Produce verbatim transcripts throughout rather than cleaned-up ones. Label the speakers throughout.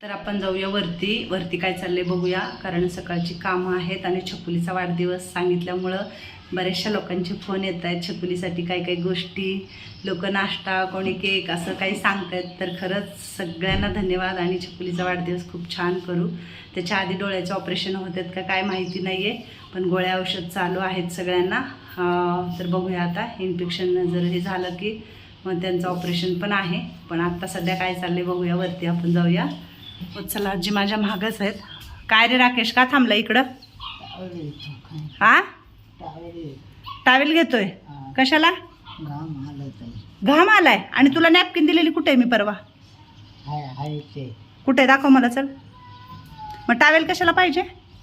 Speaker 1: तर आपण जाऊया वरती वरती काय चाललंय बघूया, कारण सकाळची कामं आहेत आणि छकुलीचा वाढदिवस सांगितल्यामुळं बऱ्याचशा लोकांचे फोन येत आहेत छकुलीसाठी काही काही गोष्टी, लोक नाश्ता, कोणी केक असं काही सांगतायत. तर खरंच सगळ्यांना धन्यवाद आणि छकुलीचा वाढदिवस खूप छान करू. त्याच्या आधी डोळ्याचे ऑपरेशन होत आहेत का काय माहिती नाही आहे, पण गोळ्या औषध चालू आहेत सगळ्यांना. तर बघूया आता इन्फेक्शन जर हे झालं की मग त्यांचं ऑपरेशन पण आहे. पण आत्ता सध्या काय चाललंय बघूया, वरती आपण जाऊया. चला आजी माझ्या महागच आहेत. काय रे राकेश, का थांबला इकडं? हा टावेल घेतोय कशाला? घाम आलाय. आणि तुला नॅपकिन दिलेली कुठे आहे मी परवा? कुठे आहे दाखव मला. चल मग टावेल कशाला पाहिजे?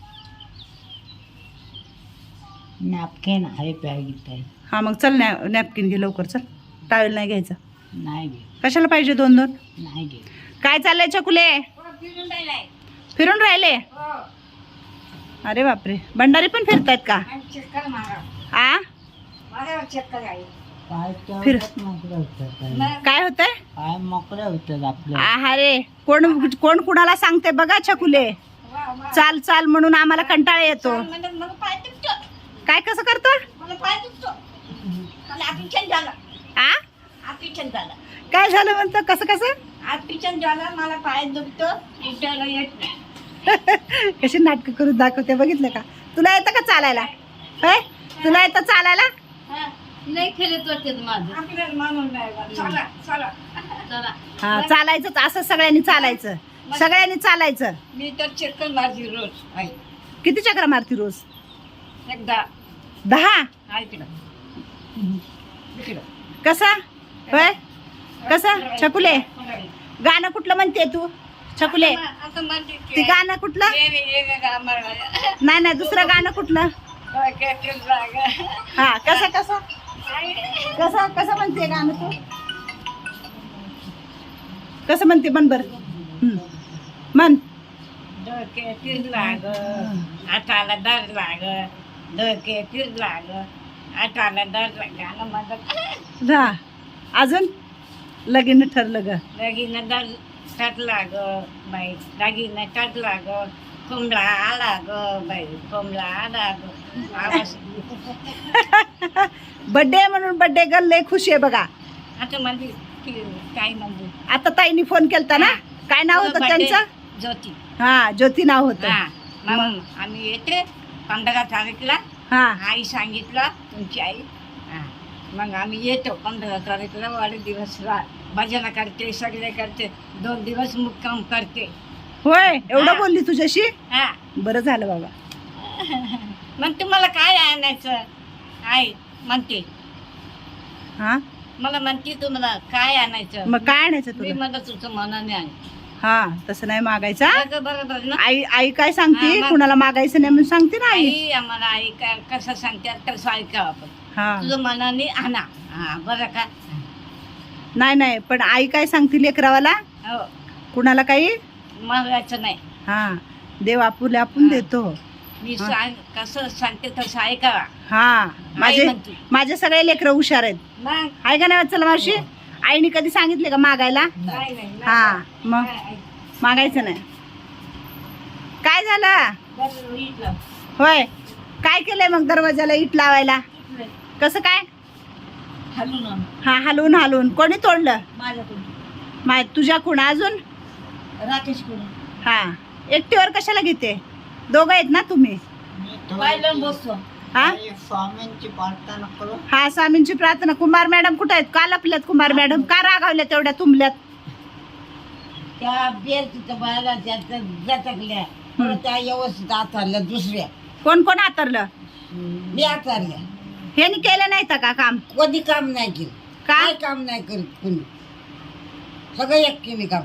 Speaker 2: नॅपकिन आहे प्यायची.
Speaker 1: हा मग चल नॅ नॅपकिन घे लवकर. चल टावेल नाही घ्यायचं.
Speaker 2: नाही घे.
Speaker 1: कशाला पाहिजे दोन दोन?
Speaker 2: नाही घे.
Speaker 1: काय चाललंय छकुले? फिरून राहिले? अरे बापरे, भंडारी पण फिरतायत का? आ फिर काय होतंय?
Speaker 2: काय मोकळे होतात आपलं.
Speaker 1: अरे कोण कोण कुणाला सांगते बघा छकुले. चाल चाल म्हणून आम्हाला कंटाळा येतो. काय कसं करतो? आ काय झालं म्हणतो? कसं कसं?
Speaker 2: मला पाय दुखतो, उठायला येत नाही.
Speaker 1: कशी नाटकं करून दाखवते बघितलं का? तुला येतं का चालायला? होय तुला येतं चालायला?
Speaker 2: नाही खेळत वाटत माझं. आपल्याला मानून नाही. चला चला चला.
Speaker 1: हा चालायचंच असं, सगळ्यांनी चालायचं, सगळ्यांनी चालायचं.
Speaker 2: मी तर चक्कर मारती रोज. आहे
Speaker 1: किती चक्र मारती रोज?
Speaker 2: एकदा
Speaker 1: दहा.
Speaker 2: आहे तिकडं तिकडं.
Speaker 1: कसा होय कसा? छकुले गाणं कुठलं म्हणते तू छकुले?
Speaker 2: आता म्हणते
Speaker 1: ते गाणं कुठलं? नाही नाही दुसरं गाणं कुठलं? हा कसं कसं कसं कसं म्हणते गाणं तू? कसं म्हणते म्हण बर. म्हण.
Speaker 2: डोके तीर लाग, आटाला दर लाग, डोके तीर लाग, आटाला दर लाग. गाणं म्हणत
Speaker 1: हा अजून लगीन ठरलं ग.
Speaker 2: लगीन दर टाट लाग बाई, दागिनं टाट लाग, कोंबडा आला ग बाई, कोंबडा आला ग. आवाज
Speaker 1: बड्डे म्हणून बड्डे गर्ल लय खुशी आहे बघा.
Speaker 2: आता म्हणजे काय म्हणजे
Speaker 1: आता ताईनी फोन केलता ना, काय नाव होतं त्यांचं?
Speaker 2: ज्योती.
Speaker 1: हा ज्योती नाव होतं.
Speaker 2: हा मग आम्ही येते पंधरा तारीखला.
Speaker 1: हा
Speaker 2: आई सांगितलं तुमची आई. हा मग आम्ही येतो पंधरा तारीखला. वाढदिवस भजन करते, सगळे करते, दोन दिवस मुक्काम करते.
Speaker 1: होय एवढं बोलली तुझ्याशी?
Speaker 2: हा
Speaker 1: बरं झालं बाबा.
Speaker 2: मग तुम्हाला काय आणायचं? आई म्हणते,
Speaker 1: हा
Speaker 2: मला म्हणते तुम्हाला काय आणायचं?
Speaker 1: मग काय आणायचं
Speaker 2: मी
Speaker 1: तुला?
Speaker 2: मला तुझं मनाने आहे.
Speaker 1: हा तसं नाही मागायचा.
Speaker 2: अगं बरोबर ना.
Speaker 1: आई आई काय सांगते?
Speaker 2: हा, मग-
Speaker 1: कुणाला मागायचं नाही म्हणून सांगते ना आई.
Speaker 2: आई आम्हाला आई काय कसं सांगतात तसं ऐकावं आपण.
Speaker 1: हा
Speaker 2: तुझं मनाने आणा. हा बरं का?
Speaker 1: नाही नाही पण आई काय सांगते लेकरावाला?
Speaker 2: हो
Speaker 1: कुणाला काही
Speaker 2: मागायचं नाही.
Speaker 1: हा देव आपुले आपण देतो.
Speaker 2: मी सांग कसं सांगते तसं ऐकावा.
Speaker 1: हा माझे
Speaker 2: म्हणते.
Speaker 1: माझे सगळे लेकरं हुशार आहेत.
Speaker 2: मग
Speaker 1: आहे का नाही? चला मावशी, आईने कधी सांगितले का मागायला?
Speaker 2: नाही नाही
Speaker 1: हा मग
Speaker 2: नाही.
Speaker 1: मागायचं नाही. काय झालं?
Speaker 2: बरं, इथलं.
Speaker 1: होय काय केलंय मग दरवाजाला इट लावायला? कसं काय?
Speaker 2: हलून आण.
Speaker 1: हा हलवून हलवून. कोणी तोडलं?
Speaker 2: माझ्याकडून
Speaker 1: माय तुझ्याकडून अजून?
Speaker 2: राकेशकडून.
Speaker 1: हा एकटीवर कशाला घेते? दोघं आहेत ना तुम्ही?
Speaker 2: पाहिलं बसतो.
Speaker 1: हा
Speaker 2: स्वामींची प्रार्थना करू.
Speaker 1: हा स्वामींची प्रार्थना. कुमार मॅडम कुठे आहेत? का लपल्यात कुमार मॅडम? का रागावल्या तेवढ्या तुंबल्यात?
Speaker 2: त्या बेर तिथं बायला जातकल्या त्या व्यवस्थित आथरल्या. दुसऱ्या
Speaker 1: कोण कोण हातरलं?
Speaker 2: मी आथरल्या.
Speaker 1: ह्यानी केलं नाही का काम?
Speaker 2: कधी काम नाही केलं.
Speaker 1: काय?
Speaker 2: काय काम नाही करीत कुणी. सगळं एकटीने काम.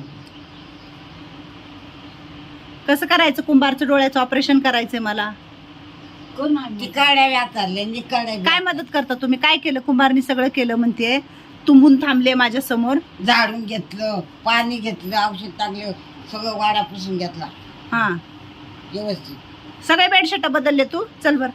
Speaker 1: कसं करायचं? कुंभारचं डोळ्याचं ऑपरेशन करायचंय मला.
Speaker 2: तिकाड्या व्याचारल्या निकाड्या.
Speaker 1: काय मदत करता तुम्ही? काय केलं? कुंभारनी सगळं केलं म्हणते. तुंबून थांबले माझ्या समोर.
Speaker 2: झाडून घेतलं, पाणी घेतलं, औषध टाकलं, सगळं वाडा पुसून घेतला
Speaker 1: हा
Speaker 2: व्यवस्थित.
Speaker 1: सगळे बेडशीट बदलले तू? चल बर.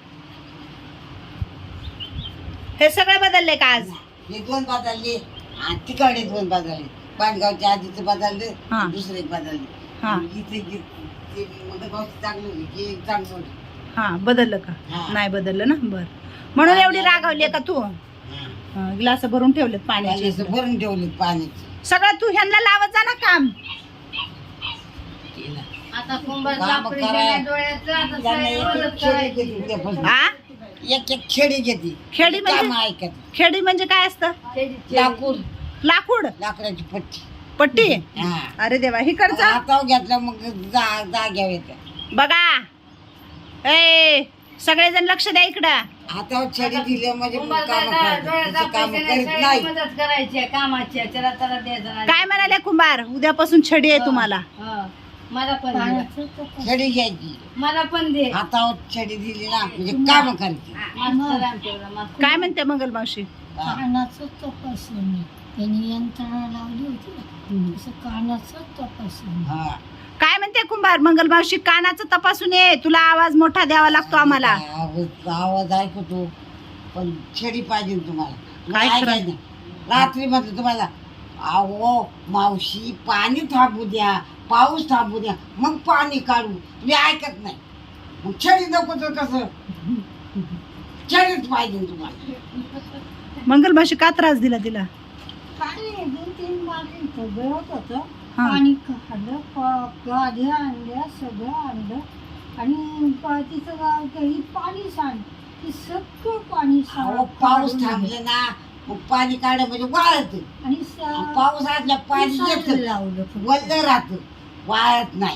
Speaker 1: हे सगळे बदलले का आज?
Speaker 2: हे दोन बदलले, तिकडे दोन बदलले. पाणगावच्या आधीच बदलले,
Speaker 1: हा.
Speaker 2: दुसरे बदलले.
Speaker 1: हा
Speaker 3: इथे गे- ते मग गाव चांगलं होतं, हे चांगलं होतं.
Speaker 1: हा बदललं का
Speaker 3: हा.
Speaker 1: नाही बदललं ना बर म्हणून एवढी रागावली का तू
Speaker 3: हा.
Speaker 1: ग्लास भरून ठेवलेत पाण्याचे
Speaker 3: पाणी असं भरून ठेवले पाण्याची
Speaker 1: सगळं तू ह्यांना लावत जा ना काम
Speaker 3: केलं.
Speaker 2: आता कुंभार
Speaker 3: काम
Speaker 2: लाकडी
Speaker 3: करा.
Speaker 2: गेल्या डोळ्याचं, आता
Speaker 3: त्यांना एक
Speaker 2: सगळं
Speaker 3: एक खेळी
Speaker 2: करायचं.
Speaker 3: घेते त्यापासून.
Speaker 1: हा
Speaker 3: एक एक खेळी घेते
Speaker 1: खेडी म्हणजे
Speaker 3: काम ऐकत
Speaker 1: खेडी म्हणजे काय असतं
Speaker 2: खेळी-
Speaker 3: लाकूड
Speaker 1: लाकूड
Speaker 3: लाकडाची पट्टी
Speaker 1: पट्टी
Speaker 3: हा
Speaker 1: अरे देवा हिकडचा
Speaker 3: हातावर घेतलं मग जा जाग्यावर येतं.
Speaker 1: बघा ए सगळेजण लक्ष द्या इकडं
Speaker 3: हातावर छडी दिली म्हणजे
Speaker 2: कुंभार
Speaker 3: काम
Speaker 2: दादा डोळ्याचा
Speaker 3: काम
Speaker 2: पैसे नाही,
Speaker 3: करीत
Speaker 2: सगळी
Speaker 3: नाही.
Speaker 2: मदत करायची आहे, कामाची आहे, त्याला त्याला द्यायचं नाही.
Speaker 1: काय म्हणाले कुंभार उद्यापासून छडी आहे तुम्हाला
Speaker 2: हा. मला पण दे.
Speaker 3: छडी घ्यायची
Speaker 2: मला पण दे
Speaker 3: हातावर छडी दिली ना म्हणजे काम करायची.
Speaker 2: मास्तर आमच्याकडं, मास्तर.
Speaker 1: काय म्हणते मंगल मावशी
Speaker 3: हा.
Speaker 4: कानाचं तपासणी त्यांनी यंत्रणा लावली होती ना तसं कानाचं तपासणी
Speaker 3: हा.
Speaker 1: काय म्हणते कुंभार मंगल मावशी कानाचं तपासून ये तुला आवाज मोठा द्यावा लागतो आम्हाला
Speaker 3: आवाज आवाज ऐकतो पण छडी पाहिजे तुम्हाला
Speaker 1: काय
Speaker 3: काय
Speaker 1: करायचं?
Speaker 3: नाही रात्री म्हटलं तुम्हाला अहो मावशी पाणी थांबू द्या पाऊस थांबू द्या मग पाणी काढू मी ऐकत नाही मग छडी नको तर कसं छडीच पाहिजे तुम्हाला.
Speaker 1: मंगल मावशी का त्रास दिला तिला
Speaker 4: काय नाही, दोन तीन बाटली सगळं होतं
Speaker 1: हा.
Speaker 4: पाणी काढलं प- गाद्या आणल्या सगळं आणलं आणि प- तिचं गाव काही पाणी सांड ती सगळं पाणी
Speaker 3: अहो
Speaker 4: सांड
Speaker 3: पाऊस थांबले ना मग पाणी काढ म्हणजे वाळत
Speaker 4: आणि स-
Speaker 3: पाऊस आटल्या पाणी
Speaker 4: सांड
Speaker 3: येत
Speaker 4: लावलं फक्त.
Speaker 3: वल्ल राहत वाळत नाही.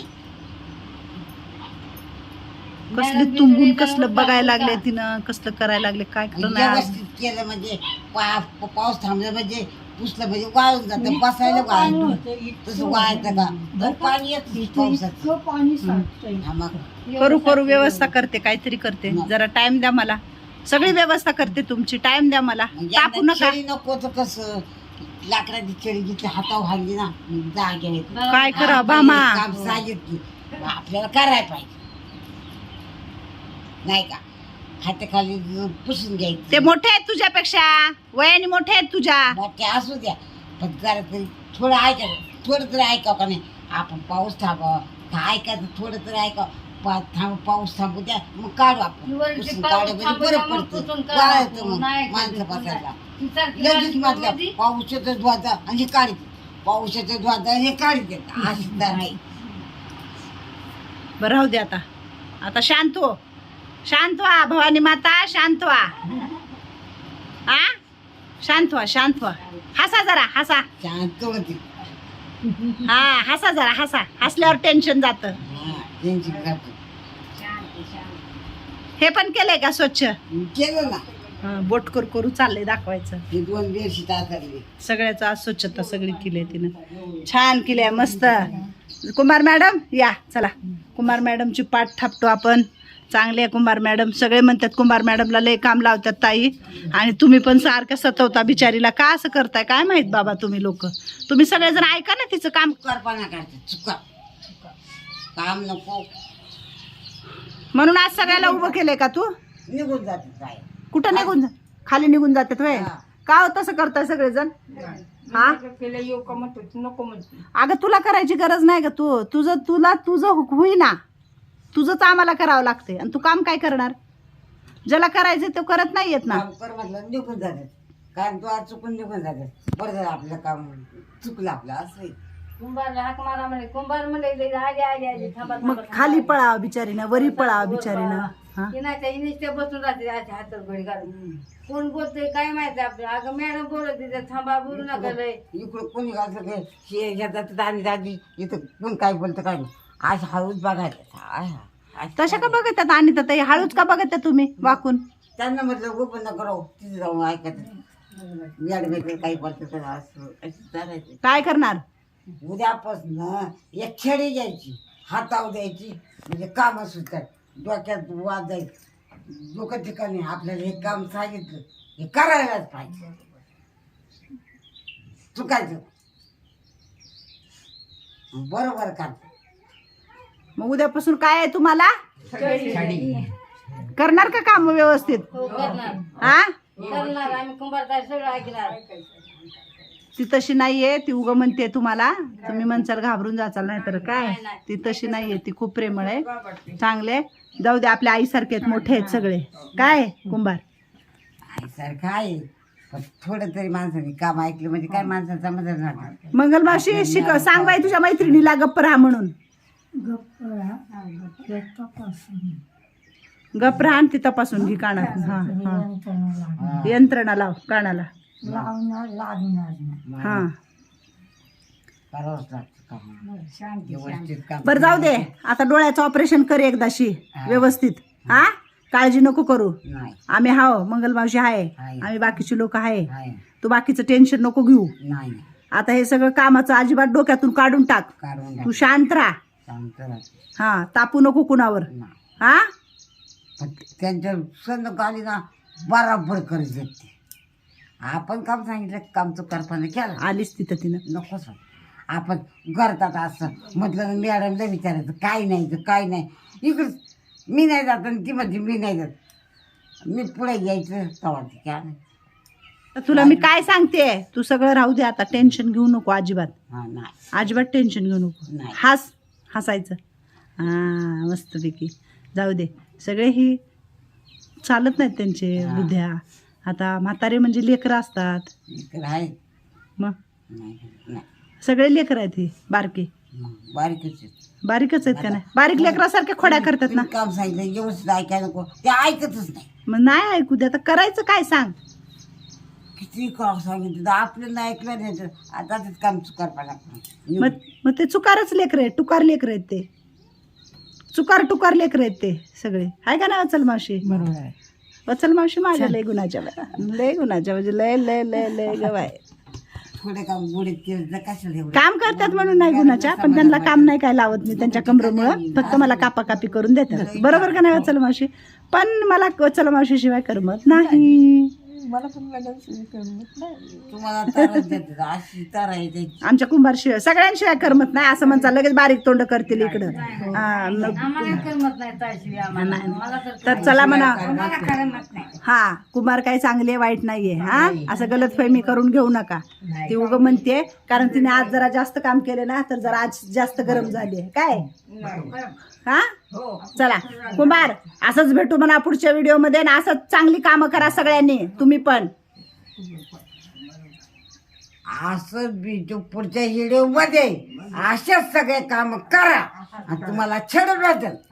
Speaker 1: कसले तुंबून कसलं बघायला लागले तिनं कसलं करायला लागले काय करणार
Speaker 3: व्यवस्थित केलं म्हणजे पा- पाऊस थांबला म्हणजे पुसलं म्हणजे वाळून जातं बसायला
Speaker 4: पाणी
Speaker 3: वाळत
Speaker 4: होतं, इतकं
Speaker 3: तसं वाळतं का तर पाणी येत
Speaker 4: इतकं
Speaker 3: पावसाचं
Speaker 4: इतकं पाणी साठतंय
Speaker 3: हा मग
Speaker 1: करू करू व्यवस्था करते काहीतरी करते जरा टाइम द्या मला सगळी व्यवस्था करते तुमची टाइम द्या मला
Speaker 3: म्हणजे
Speaker 1: तापू
Speaker 3: यांना
Speaker 1: नका
Speaker 3: छडी नको तर कसं लाकडाची छडी जिथे हातावर हाणली ना मग जागे येते.
Speaker 1: काय करा
Speaker 3: हा,
Speaker 1: भामा
Speaker 3: हे काम सांगितलं आपल्याला करायला पाहिजे नाही का हाताखाली पुसून
Speaker 1: ते
Speaker 3: घ्यायचं
Speaker 1: मोठे आहेत तुझ्यापेक्षा वयाने मोठे आहेत तुझ्या
Speaker 3: मोठे असू द्या पण जरा तरी थोडं ऐकायचं थोडं तरी ऐकावं का नाही आपण पाऊस थांबावं का ऐकायचं थोडं तरी ऐकावं पा- थांब पाऊस थांबू द्या मग काढू आपण
Speaker 2: वरती
Speaker 3: पुसून
Speaker 2: पाऊस
Speaker 3: काढू म्हणजे
Speaker 2: थांबू
Speaker 3: बरं
Speaker 2: द्या, मग
Speaker 3: पडतं
Speaker 2: पुसून काढू.
Speaker 3: वाळतं मग
Speaker 2: नाही
Speaker 3: माणसं
Speaker 2: काढू.
Speaker 3: बसायला
Speaker 2: ती सारखी
Speaker 3: लगेच
Speaker 2: बारकी
Speaker 3: म्हटलं
Speaker 2: मध्ये
Speaker 3: पावसाचं धुवायचं आणि हे काढते पावसाचं धुवायचं हे काढते अशी तर नाही.
Speaker 1: बरं राहू दे आता आता शांत हो शांत व्हा भवानी माता शांत व्हा आ शांत व्हा शांत व्हा हसा जरा हसा
Speaker 3: शांत होती
Speaker 1: हा हसा जरा हसा हसल्यावर टेन्शन जातं
Speaker 3: हा त्यांची करते
Speaker 1: हे पण केलंय का स्वच्छ
Speaker 3: केलं ना
Speaker 1: हं, बोट करू करू चाललंय दाखवायचं
Speaker 3: हे दोन बेडशी तासरली
Speaker 1: सगळ्याचं आज स्वच्छता सगळी केली आहे तिनं छान केली आहे मस्त कुमार मॅडम या चला कुमार मॅडमची पाठ थापतो आपण चांगले आहे कुमार मॅडम सगळे म्हणतात कुमार मॅडमला लय काम लावतात ताई आणि तुम्ही पण सारख्या सतवता बिचारीला का असं करताय काय माहित बाबा तुम्ही लोक तुम्ही सगळेजण ऐका ना तिचं काम
Speaker 3: चुकारपणा करते चुका काम नको
Speaker 1: म्हणून आज सगळ्याला उभं केलंय का तू
Speaker 3: निघून जाते काय
Speaker 1: कुठं निघून जा खाली निघून जातात वय
Speaker 3: हा.
Speaker 1: का हो तसं करताय सगळेजण हा
Speaker 2: केलं येऊ का म्हणतो नको म्हणतो
Speaker 1: अगं तुला करायची गरज नाही का तू तुझं तुला तुझं होईना तुझंच आम्हाला करावं लागते आणि तू काम काय करणार ज्याला करायचं तो करत नाही येत ना
Speaker 3: काम कर म्हटलं निघून जातात कारण तू आज चुकून निघून जातात बरं झालं आपलं काम चुकलं आपलं असं आहे.
Speaker 2: कुंभारला हाक मारा म्हणे कुंभार म्हणे आले आले आले थांबा
Speaker 1: मग खाली पळावं बिचारीनं वरी पळावं बिचारीनं हा
Speaker 2: की नाही त्या इनिस्टे बसून राहते अशा हातात गोळी घालून कोण बोलतोय काय माहिती आपलं अगं मॅडम बोलत तिथे थांबा बोलू नका लय
Speaker 3: इकडं कोणी असं काय हे घेतात आणि दादी इथं कोण काय बोलतं काय नाही आज हळूच बघायचं आय हा. आज
Speaker 1: तशा का बघतात आणि ताई हळूच का बघतात तुम्ही वाकून
Speaker 3: त्यांना म्हटलं गोपन न करो तिथे जाऊन ऐकायचं मॅडम काही बोलतं तर असं असं चालायचं
Speaker 1: काय करणार
Speaker 3: उद्यापासून एक छडी घ्यायची हातावर द्यायची म्हणजे काम सुटतात डोक्यात वाद जाईल डोकं ठिकाणी आपल्याला हे काम सांगितलं हे करायलाच पाहिजे चुकायचं बरोबर का
Speaker 1: मग उद्यापासून काय आहे तुम्हाला करणार का काम व्यवस्थित
Speaker 2: हो करणार
Speaker 1: हा
Speaker 2: करणार आम्ही कुंभार सगळं ऐकणार
Speaker 1: ती तशी नाहीये, ती उग म्हणते तुम्हाला, तुम्ही म्हणसाल घाबरून जाचाल, नाही तर काय, ती तशी नाहीये, ती खूप प्रेमळ आहे, चांगले. जाऊ दे, आपल्या आईसारखे आहेत, मोठे आहेत सगळे, काय कुंभार
Speaker 3: आईसारखं आहे, पण थोडं तरी माणसाने काम ऐकलं म्हणजे काय माणसाचा मदत राहणार.
Speaker 1: मंगल मावशी शिक, सांग बाई तुझ्या मैत्रिणीला गप्प राहा म्हणून.
Speaker 4: गप्प राहा, ते तपासून
Speaker 1: गप्प राहा आणि ती तपासून घे कानात. हा हा
Speaker 4: यंत्रणा लागणार.
Speaker 1: यंत्रणा लाव कानाला.
Speaker 4: लावणार लागणार नाही.
Speaker 1: हा
Speaker 3: करावंच लागतं काम,
Speaker 2: शांती
Speaker 3: व्यवस्थित काम.
Speaker 1: बरं जाऊ दे, आता डोळ्याचं ऑपरेशन कर एकदाशी व्यवस्थित. हा काळजी नको करू,
Speaker 3: नाही
Speaker 1: आम्ही हाव, मंगल मावशी आहे,
Speaker 3: आहे.
Speaker 1: आम्ही बाकीचे लोक आहे,
Speaker 3: आहे.
Speaker 1: तू बाकीचं टेन्शन नको घेऊ.
Speaker 3: नाही
Speaker 1: आता हे सगळं कामाचं अजिबात डोक्यातून काढून टाक,
Speaker 3: काढून
Speaker 1: तू शांत राहा.
Speaker 3: शांत राहते.
Speaker 1: हा तापू नको कुणावर.
Speaker 3: नाही.
Speaker 1: हा
Speaker 3: पण त्यांच्या संद आली ना बराबर करत जाते. आपण काम सांगितलं काम तो करताना केला
Speaker 1: आलीच तिथं तिनं.
Speaker 3: नकोच. आपण करतात असं म्हटलं मॅडमला विचारायचं काय नाही तर काय नाही, इकडं मी नाही जात आणि ती म्हणजे मी नाही जात, मी पुढे घ्यायचं तवा ते काय नाही.
Speaker 1: तर तुला मी काय सांगते, तू सगळं राहू दे आता, टेन्शन घेऊ नको अजिबात,
Speaker 3: हा नाही
Speaker 1: अजिबात टेन्शन घेऊ नको.
Speaker 3: नाही.
Speaker 1: हास हसायचं. हा मस्तपैकी. जाऊ दे, सगळे ही चालत नाहीत त्यांचे
Speaker 3: हा.
Speaker 1: बुद्ध्या. आता म्हातारे म्हणजे लेकरं असतात,
Speaker 3: इकडं आहे
Speaker 1: मग
Speaker 3: नाही नाही
Speaker 1: सगळे लेकरं आहेत ही बारकी,
Speaker 3: मग बारीकच आहे.
Speaker 1: बारीकच आहेत का नाही, बारीक लेकरासारखे खोड्या करतात ना.
Speaker 3: तुम्ही काम सांगितलं व्यवस्थित ऐकायला नको, ते ऐकतच नाही.
Speaker 1: मग नाही ऐकू दे, आता करायचं काय सांग.
Speaker 3: किती काम सांगितलं तर आपल्याला नाही ऐकलं नाही तर आता तेच काम चुकार लागतं.
Speaker 1: मग मग ते चुकारच लेकर आहेत, टुकार लेकर आहेत ते, चुकार टुकार लेकर आहेत ते सगळे, आहे का ना वचल मावशी.
Speaker 3: बरोबर आहे.
Speaker 1: वचल मावशी माझ्या लय गुणाच्या बाया. लय गुणाच्या म्हणजे लय लय लय लय गवाय.
Speaker 3: थोडे काम गोडीत केलं तर कशाला एवढं?
Speaker 1: काम करतात म्हणून नाही गुणाच्या, पण त्यांना काम नाही काय लावत मी त्यांच्या कमरेमुळं, फक्त मला कापाकापी करून देतात. बरोबर का नाही वचल मावशी. पण मला वचल मावशी शिवाय करमत नाही.
Speaker 4: मला पण मॅडम करमत नाही.
Speaker 3: तुम्हाला तारा देतात, अशी तारा आहे त्याची.
Speaker 1: आमच्या कुंभार शिवाय सगळ्यांशिवाय करमत नाही असं म्हणता, लगेच बारीक तोंड करतील इकडं. हा, मग-
Speaker 2: आम्हाला करमत नाही त्याशिवाय आम्हाला. मला तर
Speaker 1: तर चला म्हणा.
Speaker 2: आम्हाला करमत नाही.
Speaker 1: हा कुमार काही चांगले वाईट नाहीये. हा असं गलतफहमी करून घेऊ नका. ती उग म्हणते कारण तिने आज जरा जास्त काम केले ना, तर जरा आज जास्त गरम झाली आहे काय. हा चला कुमार, असंच भेटू म्हणा पुढच्या व्हिडिओ मध्ये, ना असंच चांगली कामं करा सगळ्यांनी, तुम्ही पण.
Speaker 3: असं बी जो पुढच्या व्हिडिओ मध्ये अशाच सगळे काम करा आणि तुम्हाला छेड वाटेल.